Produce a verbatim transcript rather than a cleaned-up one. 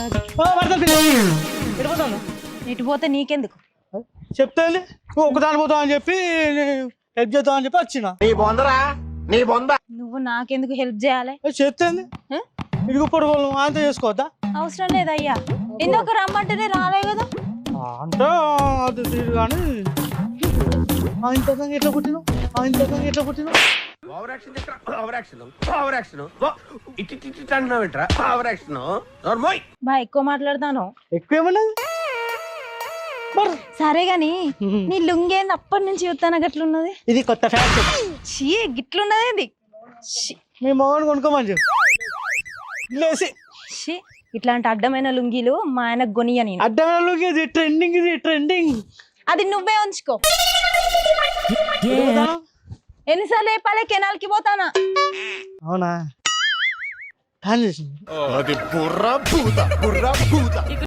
ఎడిపోతాను ఇటు పోతే నీకెందుకు? చెప్తే నువ్వు ఒకదాని పోతావు అని చెప్పి హెల్ప్ చేద్దాం అని చెప్పి వచ్చిన. నువ్వు నాకెందుకు హెల్ప్ చేయాలి? చెప్తే హ? ఇడుగు పొడుగు అంత చేసుకోవద్దా అవసరం లేదయ్యా, ఇందాక రమ్మంటేనే రాలే కదా. అంటే అది తీరు కానీ ఆయన తగ్గ ఎట్లా పుట్టినావు ఆయన తగ్గ ఎట్లా పుట్టినావు బా ఎక్కువ మాట్లాడతాను. ఎక్కువ ఏమన్నది సరే గాని నీ లుంగేంది అప్పటి నుంచి చూస్తాను గట్లున్నది. ఇది కొత్త ఫ్యాషన్. చీ గిట్లున్నది ఇది. ఛీ, మీ మొగని కొనుక్కోమని చెప్పు లేసి. ఛీ, ఇట్లాంటి అడ్డమైన లుంగీలు మా ఆయనకు గొనియ నేను. అడ్డమైన ఇది ట్రెండింగ్ ఇది ట్రెండింగ్. అది నువ్వే ఉంచుకో. ఎన్నిసార్లు చెప్పాలి కెనాల్కి పోతానా? అవునా?